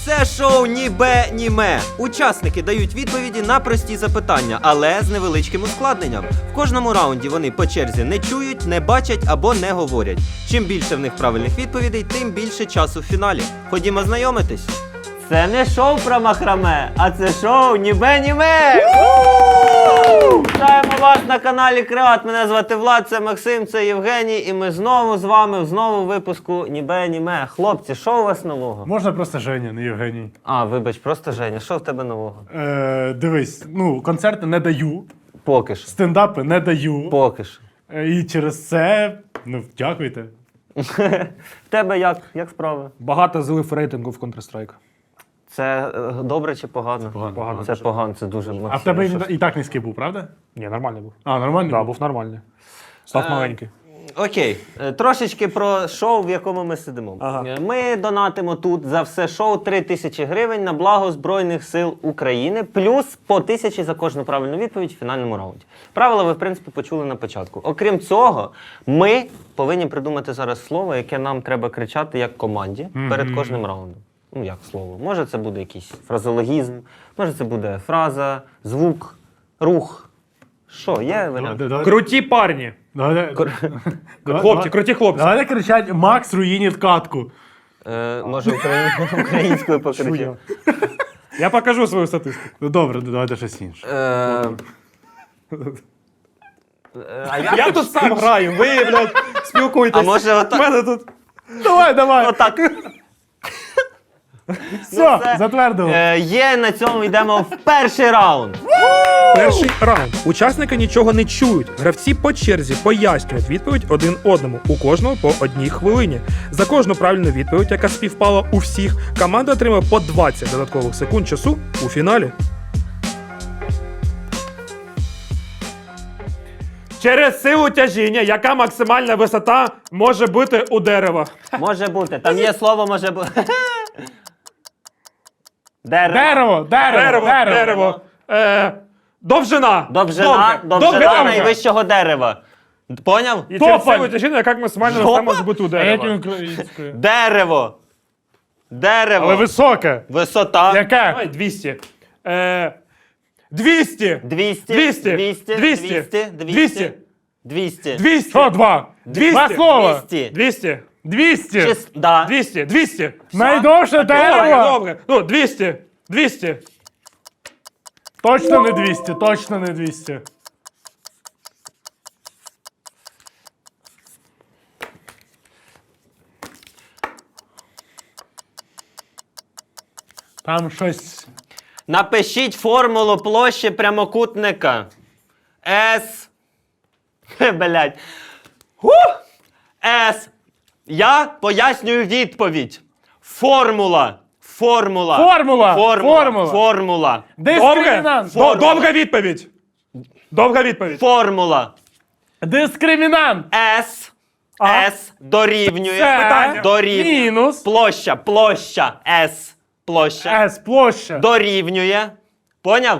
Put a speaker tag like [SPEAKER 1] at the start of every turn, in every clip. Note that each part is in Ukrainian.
[SPEAKER 1] Це шоу «Ні бе, ні ме». Учасники дають відповіді на прості запитання, але з невеличким ускладненням. В кожному раунді вони по черзі не чують, не бачать або не говорять. Чим більше в них правильних відповідей, тим більше часу в фіналі. Ходімо знайомитись.
[SPEAKER 2] Це не шоу про махраме, а це шоу «Ні бе, ні ме». Вітаємо вас на каналі Креат. Мене звати Влад, це Максим, це Євгеній. І ми знову з вами, знову в випуску «Ні бе, ні ме». Хлопці, що у вас нового?
[SPEAKER 3] Можна просто Женя, не Євгеній.
[SPEAKER 2] А, вибач, просто Женя. Що в тебе нового?
[SPEAKER 3] Дивись, концерти не даю,
[SPEAKER 2] Поки що.
[SPEAKER 3] стендапи не даю.
[SPEAKER 2] Поки що.
[SPEAKER 3] І через це, дякуйте.
[SPEAKER 2] В тебе як справи?
[SPEAKER 4] Багато злив рейтингу в Counter-Strike.
[SPEAKER 2] Це добре чи погано?
[SPEAKER 4] Погано.
[SPEAKER 2] Це погано, це дуже
[SPEAKER 3] А в тебе і так низький був, правда?
[SPEAKER 4] Ні, нормальний був.
[SPEAKER 3] А, нормально?
[SPEAKER 4] Так, був нормальний. Став маленький.
[SPEAKER 2] Окей, трошечки про шоу, в якому ми сидимо.
[SPEAKER 4] Ага.
[SPEAKER 2] Ми донатимо тут за все шоу 3000 гривень на благо Збройних сил України, плюс по 1000 за кожну правильну відповідь в фінальному раунді. Правила ви, в принципі, почули на початку. Окрім цього, ми повинні придумати зараз слово, яке нам треба кричати як команді перед кожним раундом. Ну, як слово. Може це буде якийсь фразеологізм, може це буде фраза, звук, рух. Що, є варіант?
[SPEAKER 4] Круті парні. Хлопці, круті хлопці.
[SPEAKER 3] Давайте кричать «Макс руїнить катку».
[SPEAKER 2] Може українською покричати.
[SPEAKER 4] Чую. Я покажу свою статистику.
[SPEAKER 3] Ну добре, давайте щось інше.
[SPEAKER 4] Я тут сам граю, ви, блядь, спілкуйтесь.
[SPEAKER 2] А може отак?
[SPEAKER 4] У мене тут...
[SPEAKER 3] Давай.
[SPEAKER 2] Отак.
[SPEAKER 3] Все, затвердили.
[SPEAKER 2] Є, на цьому йдемо в перший раунд.
[SPEAKER 4] Перший раунд. Учасники нічого не чують. Гравці по черзі пояснюють відповідь один одному. У кожного по 1 хвилині. За кожну правильну відповідь, яка співпала у всіх, команда отримує по 20 додаткових секунд часу у фіналі. Через силу тяжіння, яка максимальна висота може бути у дерева?
[SPEAKER 2] Може бути. Там є слово, може бути. Дерево.
[SPEAKER 4] Дерево. Довжина.
[SPEAKER 2] Довжина найвищого дерева. Поняв?
[SPEAKER 4] І через силу тяжіння, яка максимальна висота може бути у
[SPEAKER 3] А як
[SPEAKER 4] дерева?
[SPEAKER 3] українською?
[SPEAKER 2] Дерево.
[SPEAKER 3] Але високе.
[SPEAKER 2] Висота.
[SPEAKER 3] Яке?
[SPEAKER 4] Давай 200. 200.
[SPEAKER 2] 200.
[SPEAKER 3] Що, два?
[SPEAKER 4] 200.
[SPEAKER 3] Два слова.
[SPEAKER 4] 200.
[SPEAKER 3] 200.
[SPEAKER 2] Да.
[SPEAKER 4] 200.
[SPEAKER 3] Найдовше дерево.
[SPEAKER 4] Добре. Ну, 200. 200.
[SPEAKER 3] Точно не 200. Там щось...
[SPEAKER 2] Напишіть формулу площі прямокутника. С. Блять. С. Я пояснюю відповідь. Формула.
[SPEAKER 3] Дискримінант.
[SPEAKER 4] Довга відповідь.
[SPEAKER 2] Формула.
[SPEAKER 3] Дискримінант.
[SPEAKER 2] С. С дорівнює.
[SPEAKER 3] Це мінус.
[SPEAKER 2] Площа. С. Площа.
[SPEAKER 3] С. Площа.
[SPEAKER 2] Дорівнює. Поняв?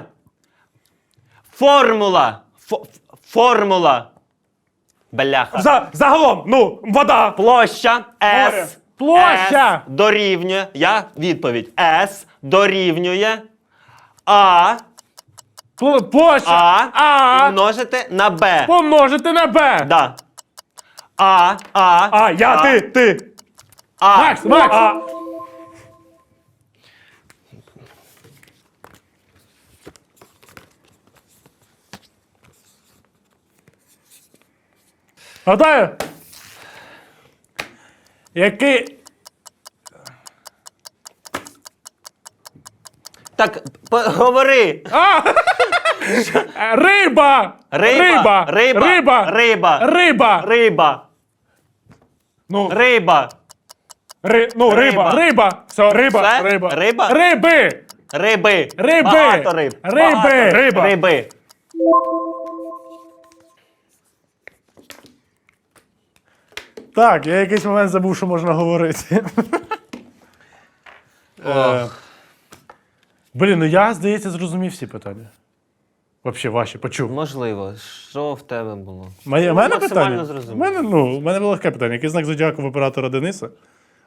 [SPEAKER 2] Формула. Бляха.
[SPEAKER 4] Загалом, вода.
[SPEAKER 2] Площа.
[SPEAKER 4] Море.
[SPEAKER 2] С.
[SPEAKER 3] Площа.
[SPEAKER 2] С дорівнює. Відповідь. С дорівнює. А.
[SPEAKER 3] Площа.
[SPEAKER 2] Помножити на Б.
[SPEAKER 3] Помножити на Б.
[SPEAKER 2] Да.
[SPEAKER 4] Ти.
[SPEAKER 3] Макс. Готові? Який...
[SPEAKER 2] Так, говори.
[SPEAKER 3] Риба.
[SPEAKER 2] Риба.
[SPEAKER 3] Ну,
[SPEAKER 2] Риба.
[SPEAKER 3] риба. Все, риба.
[SPEAKER 2] Все?
[SPEAKER 3] Риба.
[SPEAKER 2] Риба?
[SPEAKER 3] Риби.
[SPEAKER 2] Багато риб. Риби.
[SPEAKER 3] Так, я якийсь момент забув, що можна говорити. Блін, я, здається, зрозумів всі питання. Взагалі, ваші, почув.
[SPEAKER 2] Можливо. Що в тебе було?
[SPEAKER 3] У мене
[SPEAKER 2] максимально
[SPEAKER 3] питання?
[SPEAKER 2] зрозумів.
[SPEAKER 3] У мене було легке питання. Який знак зодіаку в оператора Дениса?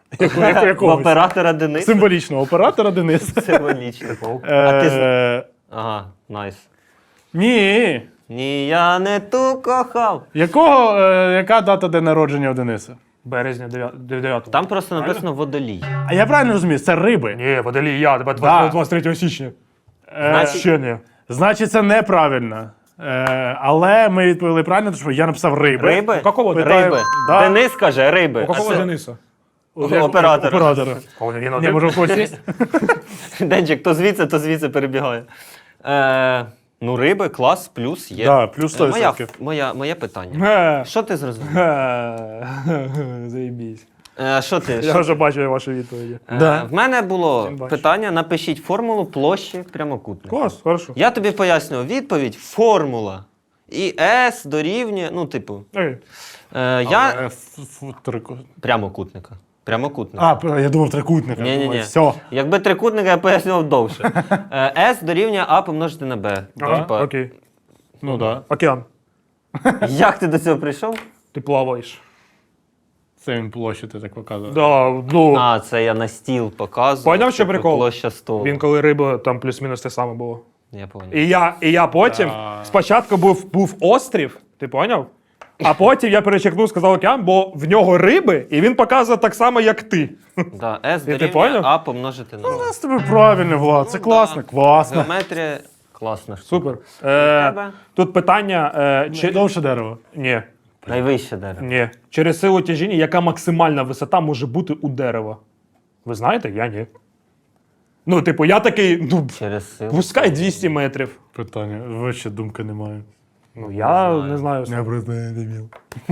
[SPEAKER 2] В
[SPEAKER 3] Якогось.
[SPEAKER 2] оператора Дениса.
[SPEAKER 3] Символічного оператора Денис.
[SPEAKER 2] Символічно. А ти...
[SPEAKER 3] Е,
[SPEAKER 2] Ага, найс.
[SPEAKER 3] Ні.
[SPEAKER 2] Ні, я не ту кохав.
[SPEAKER 3] Яка дата день народження у Дениса?
[SPEAKER 4] Березня 9.
[SPEAKER 2] Там просто написано водолій.
[SPEAKER 3] А я правильно розумію, це риби.
[SPEAKER 4] Ні, водолій я, тебе
[SPEAKER 3] Да.
[SPEAKER 4] 23 січня.
[SPEAKER 2] Значить-
[SPEAKER 4] Ще не.
[SPEAKER 3] Значить, це неправильно. Але ми відповіли правильно, тому що я написав риби.
[SPEAKER 2] Риби?
[SPEAKER 4] У какого
[SPEAKER 3] Питаю-
[SPEAKER 2] Риби.
[SPEAKER 3] Да.
[SPEAKER 2] Денис каже риби.
[SPEAKER 4] У какого
[SPEAKER 2] А це-
[SPEAKER 4] Дениса?
[SPEAKER 2] Оператора.
[SPEAKER 3] Оператора.
[SPEAKER 4] Він
[SPEAKER 3] Ні,
[SPEAKER 4] один.
[SPEAKER 3] може, у когось є?
[SPEAKER 2] Денчик, то звідси перебігає. Ну, риби, клас, плюс є.
[SPEAKER 3] Да, плюс 100%.
[SPEAKER 2] Моє питання. Що ти зрозумів?
[SPEAKER 4] Заєбісь.
[SPEAKER 2] Що ти?
[SPEAKER 4] Я вже бачу ваші відповіді.
[SPEAKER 3] Да.
[SPEAKER 2] В мене було
[SPEAKER 4] Чим бачиш?
[SPEAKER 2] питання: напишіть формулу площі прямокутника.
[SPEAKER 4] Клас, хорошо.
[SPEAKER 2] Я тобі пояснював відповідь: формула. І S дорівнює, ну, типу,
[SPEAKER 4] Окей.
[SPEAKER 2] я прямокутника. Прямокутника.
[SPEAKER 3] Я думав трикутника.
[SPEAKER 2] Ні.
[SPEAKER 3] Все.
[SPEAKER 2] Якби трикутника, я пояснював довше. S дорівнює А помножити на Б.
[SPEAKER 4] Ага,
[SPEAKER 2] Типа,
[SPEAKER 4] окей.
[SPEAKER 3] Ну так.
[SPEAKER 4] Океан.
[SPEAKER 2] як ти до цього прийшов?
[SPEAKER 4] Ти плаваєш.
[SPEAKER 3] Це він площу ти так показує.
[SPEAKER 4] Да, ну,
[SPEAKER 2] А, це я на стіл показував.
[SPEAKER 4] Поняв, що
[SPEAKER 2] типу,
[SPEAKER 4] прикол?
[SPEAKER 2] Площа столу.
[SPEAKER 4] він коли риба, там плюс-мінус те саме було.
[SPEAKER 2] Я поняв.
[SPEAKER 4] І я потім, спочатку був острів, ти поняв? А потім я перечеркнув, сказав океан, бо в нього риби, і він показує так само, як ти.
[SPEAKER 2] Да, S
[SPEAKER 4] ти
[SPEAKER 2] дорівнює
[SPEAKER 4] поняв?
[SPEAKER 2] А помножити на Б.
[SPEAKER 3] З тобі правильно, Влад. Це класно, класно.
[SPEAKER 2] Геометрія класна штука.
[SPEAKER 4] Супер.
[SPEAKER 2] тебе?
[SPEAKER 4] Тут питання,
[SPEAKER 3] Довше дерево.
[SPEAKER 4] ні,
[SPEAKER 2] Найвище дерево.
[SPEAKER 4] ні. Через силу тяжіння, яка максимальна висота може бути у дерева? Ви знаєте? Я ні. Ну, типу, я такий, ну,
[SPEAKER 2] Через силу.
[SPEAKER 4] пускай 200 метрів.
[SPEAKER 3] Питання. Вообще думки немає.
[SPEAKER 4] Ну, я не знаю.
[SPEAKER 3] Я просто не дебіл.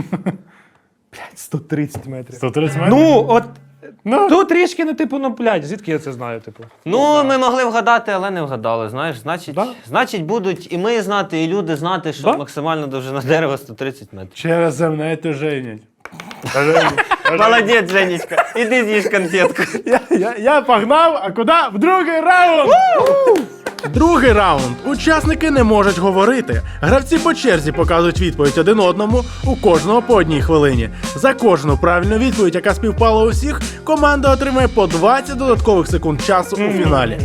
[SPEAKER 4] 130 метрів.
[SPEAKER 3] 130 метрів?
[SPEAKER 4] Ну, от,
[SPEAKER 3] Ну.
[SPEAKER 4] тут трішки, ну, типу, ну, блядь, звідки я це знаю, типу?
[SPEAKER 2] Ну, ми могли вгадати, але не вгадали. Знаєш,
[SPEAKER 4] Да.
[SPEAKER 2] значить будуть і ми знати, і люди знати, що
[SPEAKER 4] Да.
[SPEAKER 2] максимальна довжина дерева 130 метрів.
[SPEAKER 3] Через земне то женять.
[SPEAKER 2] Молодець, Женечка. Іди з'їж конфетку.
[SPEAKER 3] Я погнав, а куди? В другий раунд! Другий раунд. Учасники не можуть говорити. Гравці по черзі показують відповідь один одному, у кожного по одній хвилині. За кожну правильну відповідь, яка співпала у всіх, команда отримає по 20 додаткових секунд часу у фіналі.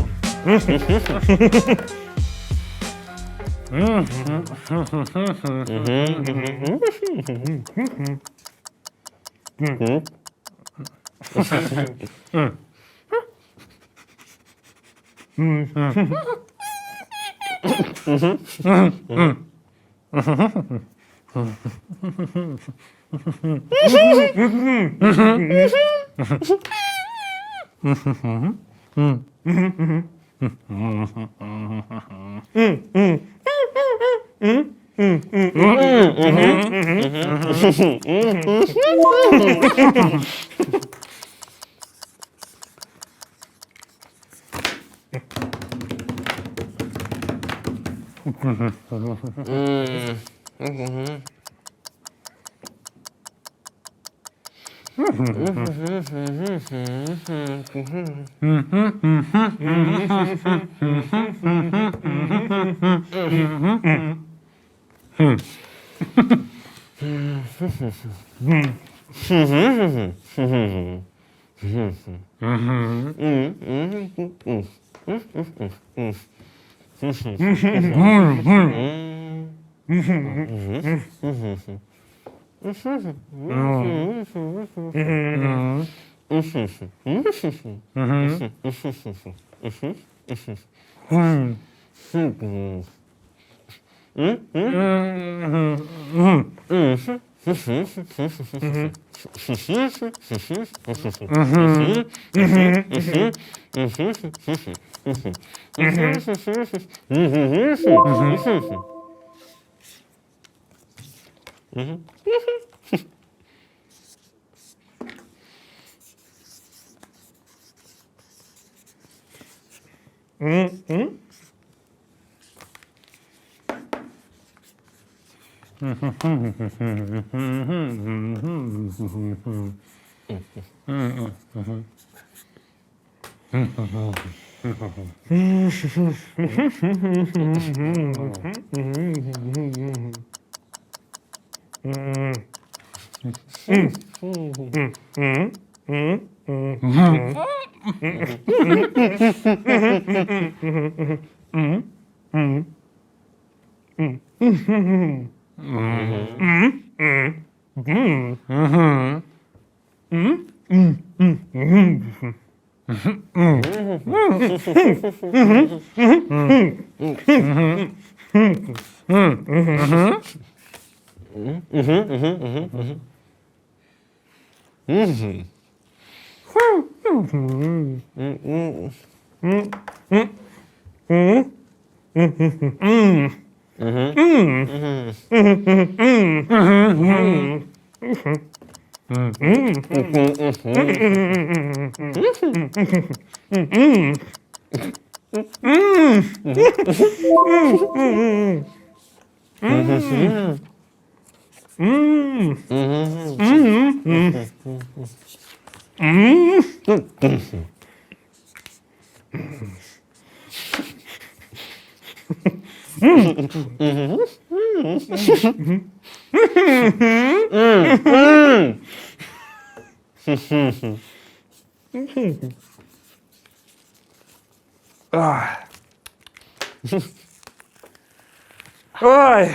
[SPEAKER 4] Ой.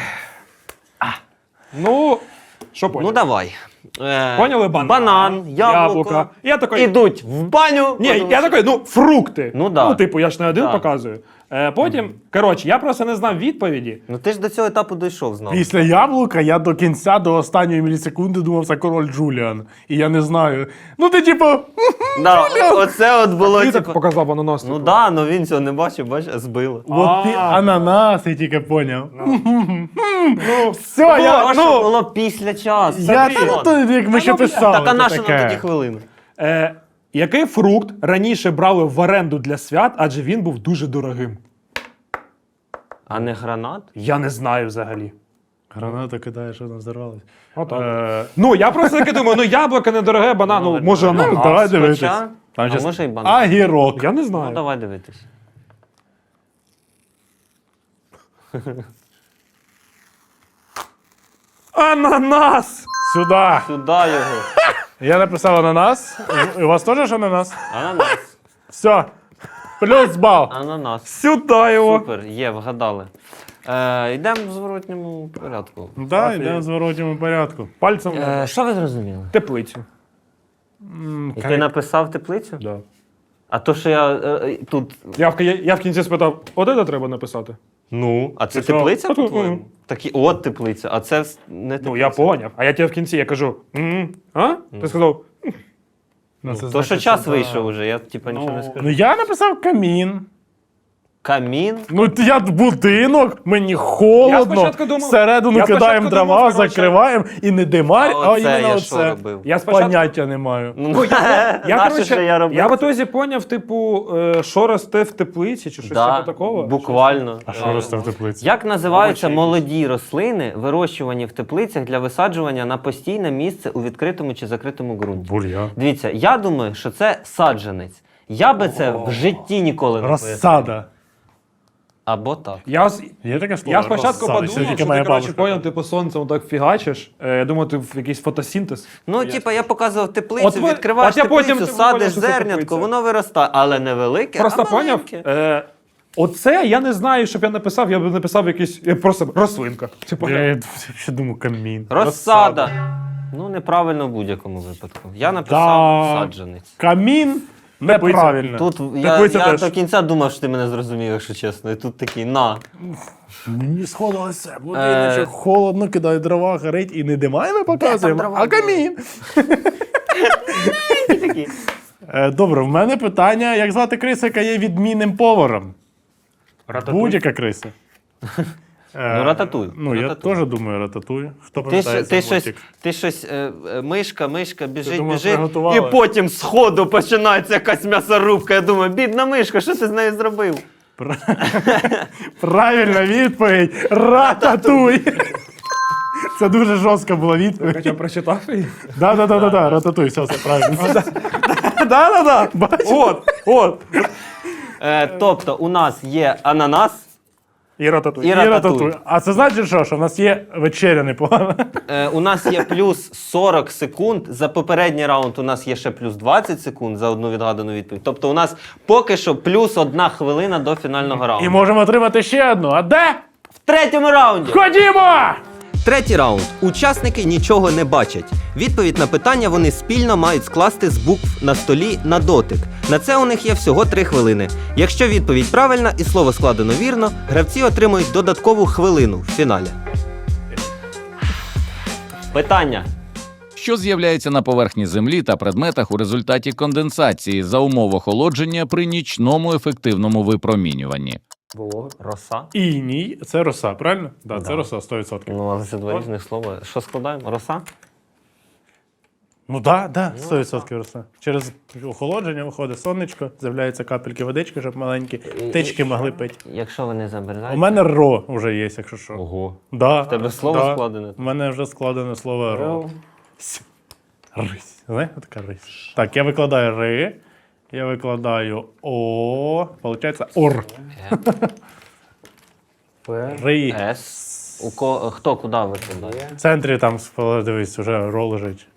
[SPEAKER 4] Ну, що поняли?
[SPEAKER 1] Ну давай.
[SPEAKER 4] Поняли банан?
[SPEAKER 1] Банан, яблуко.
[SPEAKER 4] Я такий,
[SPEAKER 1] Ідуть в баню.
[SPEAKER 4] ні, я такий, ну, фрукти.
[SPEAKER 1] Ну, да.
[SPEAKER 4] Ну, типу, я ж не один
[SPEAKER 1] Да.
[SPEAKER 4] показую. Потім, коротше, я просто не знав відповіді.
[SPEAKER 1] Ну ти ж до цього етапу дійшов знову.
[SPEAKER 3] Після яблука я до кінця, до останньої мілісекунди думав, це король Джуліан. І я не знаю. Ну ти типу.
[SPEAKER 1] Да, оце от було
[SPEAKER 4] Ти так
[SPEAKER 1] типу.
[SPEAKER 4] показав ананас.
[SPEAKER 1] Ну да, ну він цього не бачив, бачиш, збило.
[SPEAKER 3] От ти ананас, я тільки поняв.
[SPEAKER 4] Ну,
[SPEAKER 3] Все, я.
[SPEAKER 1] Тому що було після часу.
[SPEAKER 3] Я то, як ми ще писали.
[SPEAKER 1] Так а
[SPEAKER 3] то
[SPEAKER 1] на що нам
[SPEAKER 3] таке.
[SPEAKER 1] тоді хвилини?
[SPEAKER 4] Який фрукт раніше брали в оренду для свят, адже він був дуже дорогим?
[SPEAKER 1] А не гранат?
[SPEAKER 4] Я не знаю взагалі.
[SPEAKER 3] Гранату кидає, що вона взорвалась.
[SPEAKER 4] Отак. Ну, я просто таки думаю, ну яблуко недороге, банан, ну, може ананас.
[SPEAKER 3] Давай дивитись.
[SPEAKER 1] Хоча,
[SPEAKER 3] Там
[SPEAKER 1] а
[SPEAKER 3] щас
[SPEAKER 1] може і банан.
[SPEAKER 3] Агірок.
[SPEAKER 4] Я не
[SPEAKER 1] Ну
[SPEAKER 4] знаю.
[SPEAKER 1] давай дивитись.
[SPEAKER 4] Ананас!
[SPEAKER 3] Сюди.
[SPEAKER 1] Сюди його.
[SPEAKER 3] Я написав ананас. У вас теж ж ананас?
[SPEAKER 1] Ананас.
[SPEAKER 3] Все. Плюс бал.
[SPEAKER 1] Ананас.
[SPEAKER 4] Сюди його.
[SPEAKER 1] Супер, є, вгадали. Йдемо в зворотньому порядку.
[SPEAKER 3] Да, йдемо в зворотньому порядку.
[SPEAKER 4] Пальцем
[SPEAKER 1] Що ви зрозуміли?
[SPEAKER 4] теплицю.
[SPEAKER 1] І ти написав теплицю?
[SPEAKER 4] Да.
[SPEAKER 1] А то, що я тут.
[SPEAKER 4] Я в кінці спитав, от це треба написати.
[SPEAKER 1] Ну, а це
[SPEAKER 4] Ти що?
[SPEAKER 1] теплиця,
[SPEAKER 4] Мгм.
[SPEAKER 1] по-твоєму? Такі, от теплиця, а це не теплиця.
[SPEAKER 4] Ну, я поняв. А я тебе в кінці я кажу, а? Ти сказав,
[SPEAKER 3] Ну, це
[SPEAKER 1] То,
[SPEAKER 3] значить,
[SPEAKER 1] що час
[SPEAKER 3] це-
[SPEAKER 1] вийшов уже, я типа нічого не скажу.
[SPEAKER 3] Ну я написав камін.
[SPEAKER 1] Камін.
[SPEAKER 3] Ну я будинок, мені холодно.
[SPEAKER 4] спочатку думав-
[SPEAKER 3] Всередину
[SPEAKER 4] я
[SPEAKER 3] кидаємо
[SPEAKER 4] спочатку
[SPEAKER 3] дрова,
[SPEAKER 4] думав, коротше,
[SPEAKER 3] закриваємо і не димар,
[SPEAKER 1] А
[SPEAKER 3] а
[SPEAKER 1] оце
[SPEAKER 3] іменно
[SPEAKER 1] я що
[SPEAKER 3] оце.
[SPEAKER 1] робив?
[SPEAKER 4] я спочатку...
[SPEAKER 3] Поняття не маю.
[SPEAKER 1] Ну,
[SPEAKER 4] Я,
[SPEAKER 1] наше,
[SPEAKER 4] коротше,
[SPEAKER 1] що я робив.
[SPEAKER 4] я в ітозі поняв, типу, що росте в теплиці, чи щось
[SPEAKER 1] Да,
[SPEAKER 4] типу такого.
[SPEAKER 1] буквально.
[SPEAKER 3] А що росте в теплиці?
[SPEAKER 1] Як називаються
[SPEAKER 4] Овочі
[SPEAKER 1] молоді рослини, вирощувані в теплицях для висаджування на постійне місце у відкритому чи закритому ґрунті?
[SPEAKER 3] Бур'ян.
[SPEAKER 1] Дивіться, я думаю, що це саджанець. Я би це в житті ніколи не пояснив.
[SPEAKER 3] Розсада.
[SPEAKER 1] Або так.
[SPEAKER 3] Є таке слово?
[SPEAKER 4] Я спочатку
[SPEAKER 3] розсада? Це
[SPEAKER 4] подумав,
[SPEAKER 3] тільки
[SPEAKER 4] що
[SPEAKER 3] моя
[SPEAKER 4] ти, коротше,
[SPEAKER 3] бабушка.
[SPEAKER 4] поняв, типу, сонцем так фігачиш. Я думаю, ти в якийсь фотосинтез.
[SPEAKER 1] Ну, типа, я показував теплицю,
[SPEAKER 4] От ви-
[SPEAKER 1] відкриваєш
[SPEAKER 4] от я потім
[SPEAKER 1] теплицю,
[SPEAKER 4] ти поняв,
[SPEAKER 1] садиш
[SPEAKER 4] що це
[SPEAKER 1] зернятко,
[SPEAKER 4] теплиця.
[SPEAKER 1] воно виростає, але не велике,
[SPEAKER 4] Просто
[SPEAKER 1] а
[SPEAKER 4] поняв?
[SPEAKER 1] маленьке.
[SPEAKER 4] Оце я не знаю, щоб я написав, я б написав якийсь просто рослинка. Типу,
[SPEAKER 3] Я ще думаю, камін.
[SPEAKER 1] Розсада. Ну, неправильно в будь-якому випадку. Я написав
[SPEAKER 3] Да.
[SPEAKER 1] саджанець.
[SPEAKER 3] Камін неправильно.
[SPEAKER 1] Тут я
[SPEAKER 3] Теплиця теж.
[SPEAKER 1] до кінця думав, що ти мене зрозумів, якщо чесно. І тут такий на.
[SPEAKER 3] Мені сходилося. Будиночок холодно, кидає дрова, горить і не димає, ми показуємо,
[SPEAKER 1] дрова
[SPEAKER 3] а камін. Добре, в мене питання, як звати криса, яка є відмінним поваром? Будь-яка криса.
[SPEAKER 1] Ну, рататуй.
[SPEAKER 3] Ну, я
[SPEAKER 1] Рататуй.
[SPEAKER 3] теж думаю рататуй. Хто
[SPEAKER 1] Ти,
[SPEAKER 3] пам'ятає
[SPEAKER 1] ти,
[SPEAKER 3] цей
[SPEAKER 1] щось,
[SPEAKER 3] мультик?
[SPEAKER 1] ти щось, мишка, біжить,
[SPEAKER 3] думав,
[SPEAKER 1] біжить,
[SPEAKER 3] приготувала?
[SPEAKER 1] і потім з ходу починається якась м'ясорубка. Я думаю, бідна мишка, що ти з нею зробив?
[SPEAKER 3] Правильна відповідь. Рататуй. Це дуже жорстка була відповідь.
[SPEAKER 4] Хоча прочитав її.
[SPEAKER 3] Да, рататуй, все правильно.
[SPEAKER 4] Да. От.
[SPEAKER 1] Тобто у нас є ананас,
[SPEAKER 4] І рататуй.
[SPEAKER 2] І
[SPEAKER 3] І
[SPEAKER 2] рататуй.
[SPEAKER 3] рататуй. А це значить що? Що в нас є вечеря непогана?
[SPEAKER 2] У нас є плюс 40 секунд. За попередній раунд у нас є ще плюс 20 секунд за одну відгадану відповідь. Тобто у нас поки що плюс 1 хвилина до фінального раунду.
[SPEAKER 3] І можемо отримати ще одну. А де?
[SPEAKER 2] В третьому раунді!
[SPEAKER 3] Ходімо!
[SPEAKER 1] Третій раунд. Учасники нічого не бачать. Відповідь на питання вони спільно мають скласти з букв на столі на дотик. На це у них є всього 3 хвилини. Якщо відповідь правильна і слово складено вірно, гравці отримують додаткову хвилину в фіналі.
[SPEAKER 2] Питання.
[SPEAKER 5] Що з'являється на поверхні Землі та предметах у результаті конденсації за умов охолодження при нічному ефективному випромінюванні?
[SPEAKER 2] Роса.
[SPEAKER 3] Іній. Це роса, правильно? Да, це роса 100%.
[SPEAKER 2] Ну, але це два різних слова. Що складаємо? Роса?
[SPEAKER 3] Ну так, да, 100% роса. Через охолодження виходить сонечко, з'являються капельки водички, щоб маленькі птички могли пити.
[SPEAKER 2] Якщо ви не замерзаєте.
[SPEAKER 3] У мене ро вже є, якщо що.
[SPEAKER 2] Ого.
[SPEAKER 3] Да,
[SPEAKER 2] В тебе слово складене?
[SPEAKER 3] У мене вже складене слово ро. Рись. Знаєте, така рись. Так, я викладаю ри, я викладаю о, получається ор. Ри.
[SPEAKER 2] С. Хто куди викладає?
[SPEAKER 3] В центрі там, дивись, вже ро лежить.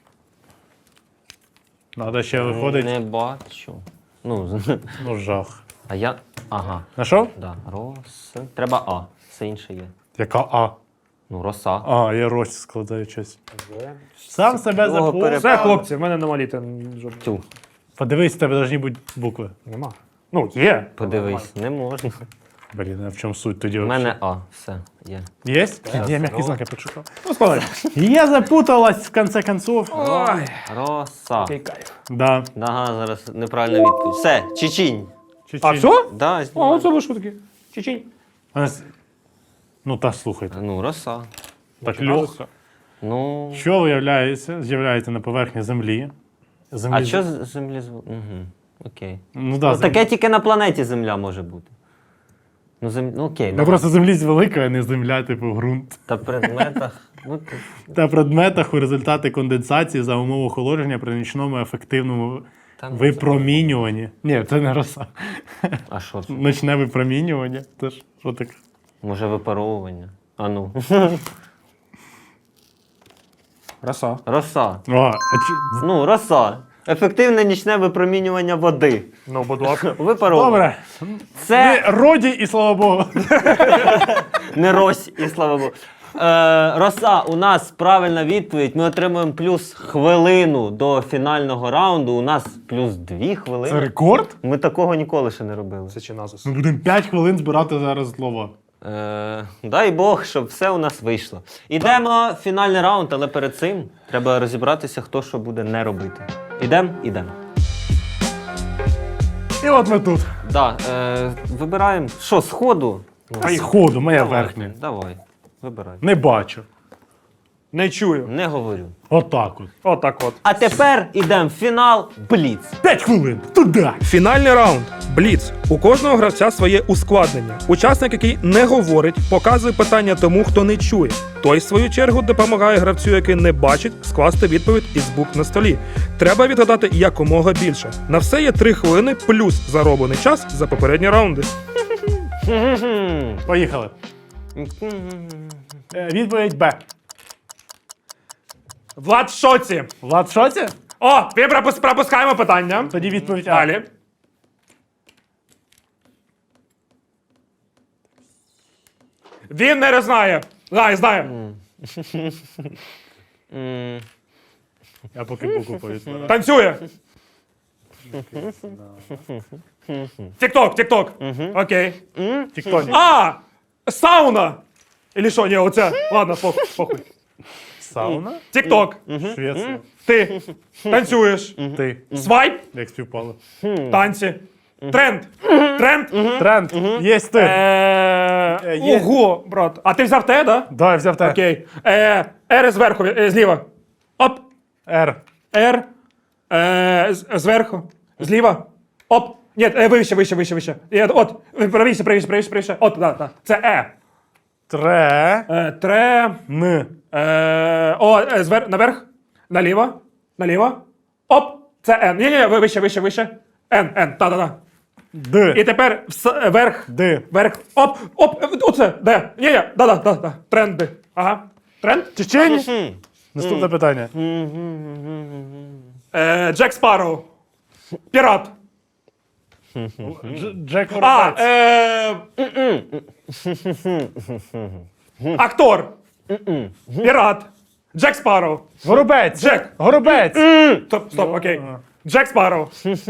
[SPEAKER 3] Надо ще виходить.
[SPEAKER 2] Не бачу. Ну,
[SPEAKER 3] Ну, жах.
[SPEAKER 2] а я. Ага.
[SPEAKER 3] Знайшов?
[SPEAKER 2] Да. Рос. Треба А. Все інше є.
[SPEAKER 3] Яка А?
[SPEAKER 2] Ну, роса.
[SPEAKER 3] А, я рось складаю щось. Сам себе
[SPEAKER 2] Його
[SPEAKER 3] запутав.
[SPEAKER 4] Все, хлопці, в мене нема літа жодного.
[SPEAKER 2] Тю.
[SPEAKER 3] Подивись, в тебе повинні бути букви.
[SPEAKER 4] Нема. Ну, є.
[SPEAKER 2] Подивись, не можна.
[SPEAKER 3] Блін, а в чому суть тоді?
[SPEAKER 2] У мене А. Все, є.
[SPEAKER 3] Є? Я м'який знак, я підшукав.
[SPEAKER 4] Ну, складай.
[SPEAKER 3] Я запуталась, в конце концов.
[SPEAKER 4] Ой,
[SPEAKER 2] Роса.
[SPEAKER 4] який кайф.
[SPEAKER 3] Да.
[SPEAKER 2] Ага, зараз неправильна відповідь. Все, Чечінь.
[SPEAKER 4] А все?
[SPEAKER 2] Да,
[SPEAKER 4] О,
[SPEAKER 2] знімаю.
[SPEAKER 4] це ви що таке? Чечень.
[SPEAKER 3] Ну та слухайте.
[SPEAKER 2] Ну, роса.
[SPEAKER 3] Так легко.
[SPEAKER 2] Ну.
[SPEAKER 3] Що з'являється на поверхні Землі?
[SPEAKER 2] А що з землі звук? Угу. Окей.
[SPEAKER 3] Ну, да,
[SPEAKER 2] Ну, таке тільки на планеті Земля може бути. Ну, ну окей.
[SPEAKER 3] Ну
[SPEAKER 2] да.
[SPEAKER 3] просто Землі велика, а не Земля, типу ґрунт.
[SPEAKER 2] Та в предметах. Ну,
[SPEAKER 3] Та предметах у результаті конденсації за умов охолодження при нічному ефективному
[SPEAKER 2] Та ну,
[SPEAKER 3] випромінюванні. Ні, це не роса.
[SPEAKER 2] а що це?
[SPEAKER 3] Ночне випромінювання. Це ж що таке?
[SPEAKER 2] Може випаровування? А ну.
[SPEAKER 4] Роса.
[SPEAKER 2] Роса.
[SPEAKER 3] О,
[SPEAKER 2] Ну, роса. Ефективне нічне випромінювання води.
[SPEAKER 4] Ну, будь ласка.
[SPEAKER 2] Випаровування.
[SPEAKER 3] добре.
[SPEAKER 2] Це
[SPEAKER 3] Роді і слава Богу.
[SPEAKER 2] не рось, і слава Богу. Роса, у нас правильна відповідь. Ми отримуємо плюс хвилину до фінального раунду. У нас плюс 2
[SPEAKER 3] Це
[SPEAKER 2] хвилини.
[SPEAKER 3] рекорд?
[SPEAKER 2] Ми такого ніколи ще не робили.
[SPEAKER 4] Це чи назус.
[SPEAKER 3] Ми будемо 5 хвилин збирати зараз слова.
[SPEAKER 2] Дай Бог, щоб все у нас вийшло. Ідемо в фінальний раунд, але перед цим треба розібратися, хто що буде не робити. Ідемо? Ідемо.
[SPEAKER 3] І от ми тут.
[SPEAKER 2] Да, вибираємо. Що, сходу?
[SPEAKER 3] А й ходу, моя
[SPEAKER 2] Давай,
[SPEAKER 3] верхня.
[SPEAKER 2] Давай, вибирай.
[SPEAKER 3] Не бачу.
[SPEAKER 4] Не чую.
[SPEAKER 2] Не говорю.
[SPEAKER 3] Отак от.
[SPEAKER 4] Отак от.
[SPEAKER 2] А тепер ідемо в фінал Бліц.
[SPEAKER 3] 5 хвилин. Туди.
[SPEAKER 4] Фінальний раунд. Бліц. У кожного гравця своє ускладнення. Учасник, який не говорить, показує питання тому, хто не чує. Той, в свою чергу, допомагає гравцю, який не бачить, скласти відповідь із букв на столі. Треба відгадати якомога більше. На все є 3 хвилини плюс зароблений час за попередні раунди.
[SPEAKER 3] Поїхали. Відповідь Б.
[SPEAKER 4] Влад в шоці.
[SPEAKER 3] Влад в шоці?
[SPEAKER 4] О, ми пропускаємо питання.
[SPEAKER 3] Тоді відповідь А.
[SPEAKER 4] Далі. Він не знає. Знає.
[SPEAKER 3] Я поки букву повідповідаю.
[SPEAKER 4] Танцює. Тік-ток. Окей.
[SPEAKER 3] Тіктоні.
[SPEAKER 4] А! Сауна! Или що, ні, оце. Ладно, похуй.
[SPEAKER 3] Сауна?
[SPEAKER 4] Тік-ток.
[SPEAKER 3] Швеція.
[SPEAKER 4] Ти танцюєш.
[SPEAKER 3] Ти.
[SPEAKER 4] Свайп.
[SPEAKER 3] Як співпало.
[SPEAKER 4] Танці. Тренд.
[SPEAKER 3] Тренд. Є ти. Є.
[SPEAKER 4] Ого, брат. А ти взяв те, да?
[SPEAKER 3] Да, я взяв те.
[SPEAKER 4] Окей. Р зверху, зліва. Оп.
[SPEAKER 3] Р.
[SPEAKER 4] Р. Зверху. Зліва. Оп. Ні, вище. От, правіше. От, да. Це Е.
[SPEAKER 3] Тре.
[SPEAKER 4] Тре.
[SPEAKER 3] Н.
[SPEAKER 4] Наверх. Наліво. Оп. Це Н. Ні, вище. Н. Та.
[SPEAKER 3] Д.
[SPEAKER 4] І тепер верх.
[SPEAKER 3] Д.
[SPEAKER 4] Верх. Оп, оце, де? Ні, да. Тренди. Ага. Тренд?
[SPEAKER 3] Чечені? Наступне питання.
[SPEAKER 4] Джек Спарроу. Пірат.
[SPEAKER 3] Джек
[SPEAKER 4] А,
[SPEAKER 3] Воробець.
[SPEAKER 4] актор. Пірат. Джек Спарроу.
[SPEAKER 3] Горобець.
[SPEAKER 4] Джек.
[SPEAKER 3] Горобець.
[SPEAKER 4] Стоп, окей. Джек Спарроу.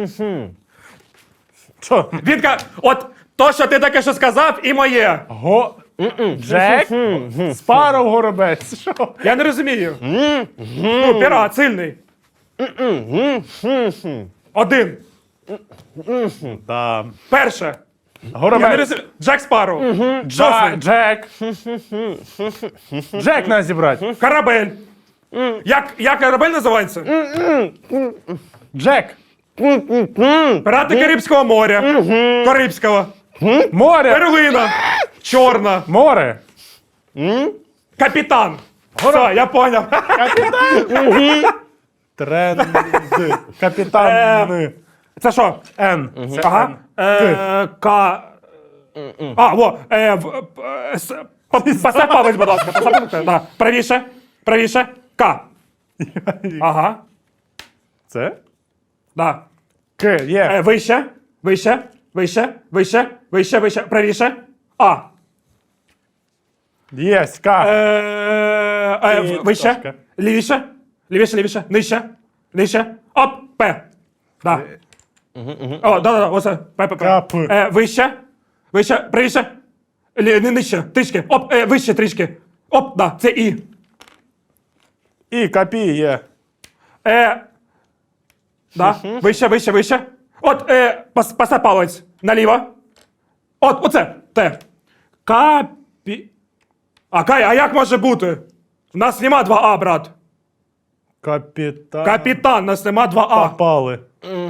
[SPEAKER 3] Що?
[SPEAKER 4] От то, що ти таке що сказав, і моє.
[SPEAKER 3] Джек? Спаров Горобець. Що?
[SPEAKER 4] Я не розумію. Ну, пірат, сильний. Один.
[SPEAKER 3] Да.
[SPEAKER 4] Перше. Я не
[SPEAKER 3] Горобець.
[SPEAKER 4] розумію. Джек Спарроу.
[SPEAKER 3] Да,
[SPEAKER 4] Джослін.
[SPEAKER 3] Джек. Джек нас зібрати.
[SPEAKER 4] Корабель. Як корабель називається?
[SPEAKER 3] Джек.
[SPEAKER 4] Пірати Карибського моря. Карибського.
[SPEAKER 3] Море.
[SPEAKER 4] Перлина. Чорна.
[SPEAKER 3] Море.
[SPEAKER 4] Капітан. Все, я поняв.
[SPEAKER 3] Тренд. Капітан.
[SPEAKER 4] Це що?
[SPEAKER 3] Н. Це
[SPEAKER 4] Ага.
[SPEAKER 3] Н.
[SPEAKER 4] К. А, во. Посипались, будь ласка. Посипались. Да. Правіше. К. Ага.
[SPEAKER 3] Це?
[SPEAKER 4] Да.
[SPEAKER 3] К. Є.
[SPEAKER 4] Вище. Правіше. А.
[SPEAKER 3] Єсть. К. І
[SPEAKER 4] Вище.
[SPEAKER 3] трошки.
[SPEAKER 4] Лівіше. Нижче. Оп. П. Да. О, да. Оце. П.
[SPEAKER 3] Кап.
[SPEAKER 4] Вище. Правіше. Нижче. Трішки. Оп. Вище трішки. Оп. Да. Це І.
[SPEAKER 3] І. Капі. Є.
[SPEAKER 4] Да. Вище. От. Паса палець. Наліво. От. Оце. Т. Капі. А як може бути? У нас нема 2А, брат.
[SPEAKER 3] Капітан.
[SPEAKER 4] Капітан, у нас нема 2А.
[SPEAKER 3] Попали.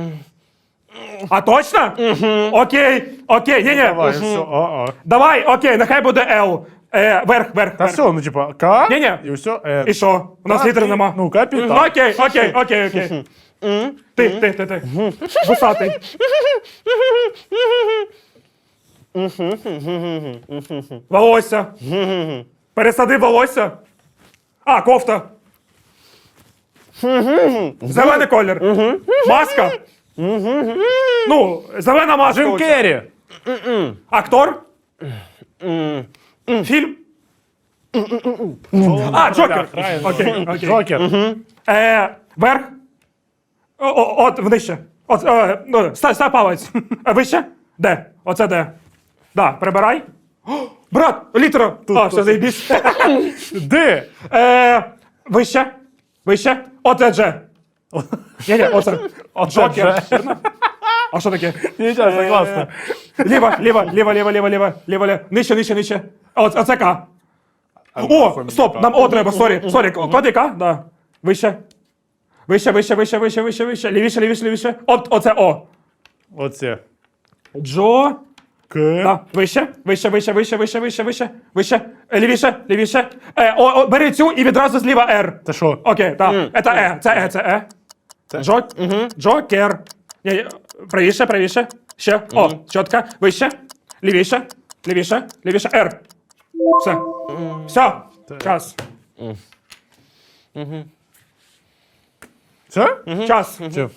[SPEAKER 4] А точно? Окей. Ні.
[SPEAKER 3] Давай, все.
[SPEAKER 4] Давай, окей, нехай буде Л. Верх.
[SPEAKER 3] Та все, ну типа К.
[SPEAKER 4] Ні-ні.
[SPEAKER 3] І все. Н.
[SPEAKER 4] І що? У нас літер нема.
[SPEAKER 3] Ну, капітан.
[SPEAKER 4] Окей. Ти. Вусатий. Волосся. Пересади волосся. А, кофта. Зелений колір. Маска. Ну, зелена маска.
[SPEAKER 3] Джим
[SPEAKER 4] оця.
[SPEAKER 3] Керрі.
[SPEAKER 4] Актор? Фільм? А, Джокер. Окей.
[SPEAKER 3] Джокер.
[SPEAKER 4] Верх? От, внище. Став палець. Вище? Де? Оце де? Да, прибирай. О, брат, літера. Все, заєбісь.
[SPEAKER 3] Д.
[SPEAKER 4] Вище? Оце Дже. Ні, оце. Джокер. А що таке?
[SPEAKER 3] Нічого, согласно.
[SPEAKER 4] Ліва. Нижче. Оце К. О, стоп, нам О треба, сорі. Куди К? Да. Вище. Лівіше. Оце О.
[SPEAKER 3] Оце.
[SPEAKER 4] Джо.
[SPEAKER 3] К.
[SPEAKER 4] Да. Вище. Лівіше. Бери цю і відразу зліва Р.
[SPEAKER 3] Це що?
[SPEAKER 4] Окей, так. Це Е. Джокер. Правіше. Ще. О, чітко. Вище. Лівіше. Р. Все. Час.
[SPEAKER 3] Це?
[SPEAKER 4] Час.
[SPEAKER 3] Все.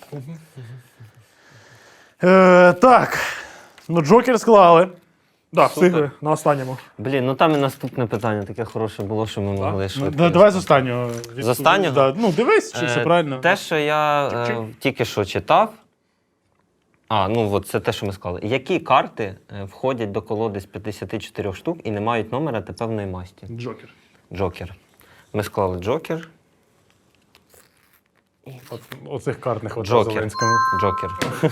[SPEAKER 3] Так. Ну, Джокер склали.
[SPEAKER 4] Да, встигли на останньому.
[SPEAKER 2] Блін, ну там і наступне питання таке хороше було, що ми могли швидко.
[SPEAKER 3] Давай з останнього.
[SPEAKER 2] З останнього?
[SPEAKER 3] Да. Ну, дивись, чи все правильно.
[SPEAKER 2] Те, що я тільки що читав. От це те, що ми сказали. Які карти входять до колоди з 54 штук і не мають номера та певної масті?
[SPEAKER 3] Джокер.
[SPEAKER 2] Джокер. Ми склали Джокер.
[SPEAKER 3] Оцих карт не хватає
[SPEAKER 2] Джокер.
[SPEAKER 3] Зеленському.
[SPEAKER 2] Джокер.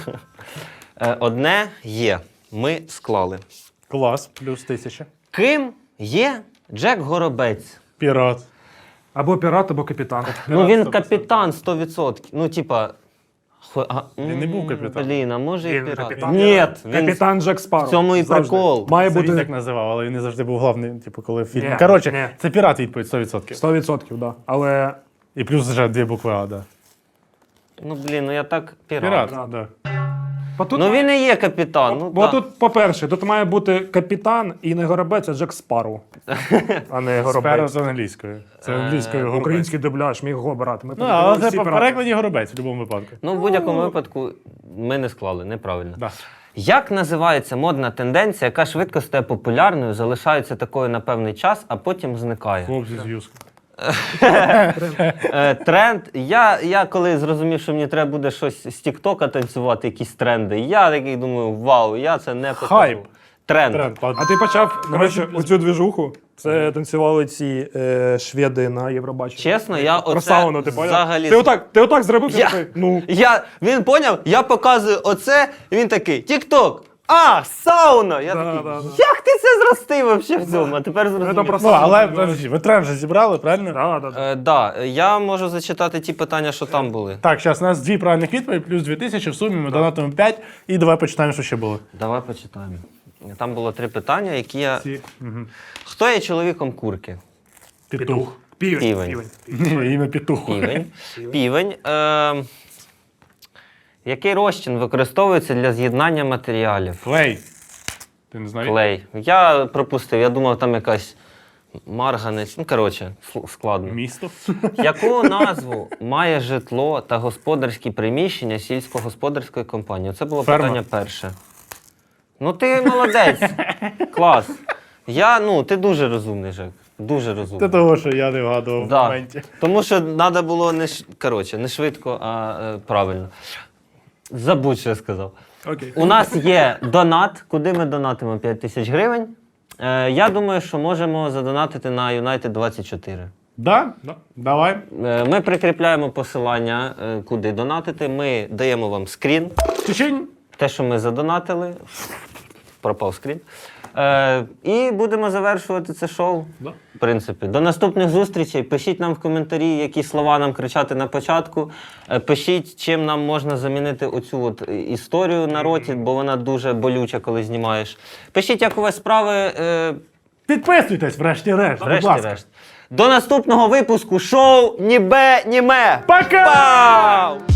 [SPEAKER 2] Одне є. Ми склали.
[SPEAKER 3] Клас, плюс 1000.
[SPEAKER 2] Ким є Джек Горобець?
[SPEAKER 3] Пірат.
[SPEAKER 4] Або пірат, або капітан.
[SPEAKER 2] Ну він
[SPEAKER 3] 100%.
[SPEAKER 2] капітан 100%. Ну, типа.
[SPEAKER 3] Він не був капітан.
[SPEAKER 2] Блін, а може і
[SPEAKER 4] Він
[SPEAKER 2] пірат?
[SPEAKER 4] капітан.
[SPEAKER 2] Ні, він
[SPEAKER 4] Капітан Джек
[SPEAKER 2] в
[SPEAKER 4] Спарроу.
[SPEAKER 2] цьому і
[SPEAKER 4] Завжди.
[SPEAKER 2] прикол.
[SPEAKER 4] Має
[SPEAKER 3] Це він
[SPEAKER 4] бути
[SPEAKER 3] так називав, але він не завжди був головний, типу, коли в фільмі.
[SPEAKER 4] Ні,
[SPEAKER 3] Коротше,
[SPEAKER 4] ні.
[SPEAKER 3] це пірат відповідь 100%.
[SPEAKER 4] 100%, да. Але
[SPEAKER 3] І плюс вже 2 букви А, да.
[SPEAKER 2] Ну, блін, ну я так пірат.
[SPEAKER 3] Пірат, да.
[SPEAKER 4] Бо тут,
[SPEAKER 2] Ну він і є капітан. Ну,
[SPEAKER 4] бо
[SPEAKER 2] так.
[SPEAKER 4] тут, по-перше, тут має бути капітан і не горобець, а Джек Спарроу. А не
[SPEAKER 3] Сперо
[SPEAKER 4] горобець.
[SPEAKER 3] з англійською. Це англійською горобець.
[SPEAKER 4] Український дубляж, міг його брати. Ми
[SPEAKER 3] Ну, але
[SPEAKER 4] всі
[SPEAKER 3] це по
[SPEAKER 4] брати.
[SPEAKER 3] перекладі горобець в будь-якому випадку.
[SPEAKER 2] Ну, в будь-якому випадку ми не склали, неправильно.
[SPEAKER 3] Да.
[SPEAKER 2] Як називається модна тенденція, яка швидко стає популярною, залишається такою на певний час, а потім зникає?
[SPEAKER 3] Хлопці з юзки.
[SPEAKER 2] Тренд. Я коли зрозумів, що мені треба буде щось з Тіктока танцювати, якісь тренди, я такий думаю, вау, я це не покажу.
[SPEAKER 3] Хайп.
[SPEAKER 2] Тренд.
[SPEAKER 3] Тренд, ладно.
[SPEAKER 4] А ти почав, коротше, оцю двіжуху. Це танцювали ці шведи на Євробаченні.
[SPEAKER 2] Чесно, я
[SPEAKER 4] Про
[SPEAKER 2] оце
[SPEAKER 4] сауну, ти поняв?
[SPEAKER 2] взагалі...
[SPEAKER 4] Ти отак зробив,
[SPEAKER 2] Я-
[SPEAKER 4] ти такий, ну.
[SPEAKER 2] Він поняв, я показую оце, і він такий, Тікток, сауна! Я
[SPEAKER 4] Да,
[SPEAKER 2] такий,
[SPEAKER 4] да, да.
[SPEAKER 2] як ти це зростив вообще в цьому? А тепер зрозумів.
[SPEAKER 4] Це про
[SPEAKER 3] Ну, але подожди, ви тренд же зібрали, правильно?
[SPEAKER 2] Да, я можу зачитати ті питання, що там були.
[SPEAKER 3] Так, зараз у нас 2 правильних відповіді, плюс 2000, в сумі ми донатимо 5, і давай почитаємо, що ще було.
[SPEAKER 2] Давай почитаємо. Там було 3 питання, які я...
[SPEAKER 3] Ці.
[SPEAKER 2] Хто є чоловіком курки?
[SPEAKER 3] Петух.
[SPEAKER 2] Півень.
[SPEAKER 3] Ім'я Петуху.
[SPEAKER 2] Півень. Який розчин використовується для з'єднання матеріалів?
[SPEAKER 3] Клей. Ти не знаєш?
[SPEAKER 2] Клей. Я пропустив, я думав, там якась марганець. Ну, коротше, складно.
[SPEAKER 3] Місто.
[SPEAKER 2] Яку назву має житло та господарські приміщення сільськогосподарської компанії? Це було
[SPEAKER 3] Ферма.
[SPEAKER 2] питання перше. Ну ти молодець. Клас. Ти дуже розумний, Жек. Дуже
[SPEAKER 3] Це
[SPEAKER 2] розумний.
[SPEAKER 3] того, що я не вгадував в
[SPEAKER 2] Да.
[SPEAKER 3] моменті.
[SPEAKER 2] Тому що треба було не швидко, а правильно. Забудь, що я сказав.
[SPEAKER 4] Окей.
[SPEAKER 2] У нас є донат, куди ми донатимо 5 тисяч гривень. Я думаю, що можемо задонатити на United 24.
[SPEAKER 3] Да? Давай.
[SPEAKER 2] Ми прикріпляємо посилання, куди донатити. Ми даємо вам скрін.
[SPEAKER 3] Течень.
[SPEAKER 2] Те, що ми задонатили. Пропав скрін. І будемо завершувати це шоу.
[SPEAKER 3] Да.
[SPEAKER 2] В принципі, до наступних зустрічей. Пишіть нам в коментарі, які слова нам кричати на початку. Пишіть, чим нам можна замінити оцю от історію на роті, бо вона дуже болюча, коли знімаєш. Пишіть, як у вас справи.
[SPEAKER 3] Підписуйтесь, врешті-решт, будь ласка.
[SPEAKER 2] Врешті-решт. До наступного випуску шоу Нібе Німе.
[SPEAKER 3] Пока!
[SPEAKER 2] Пау!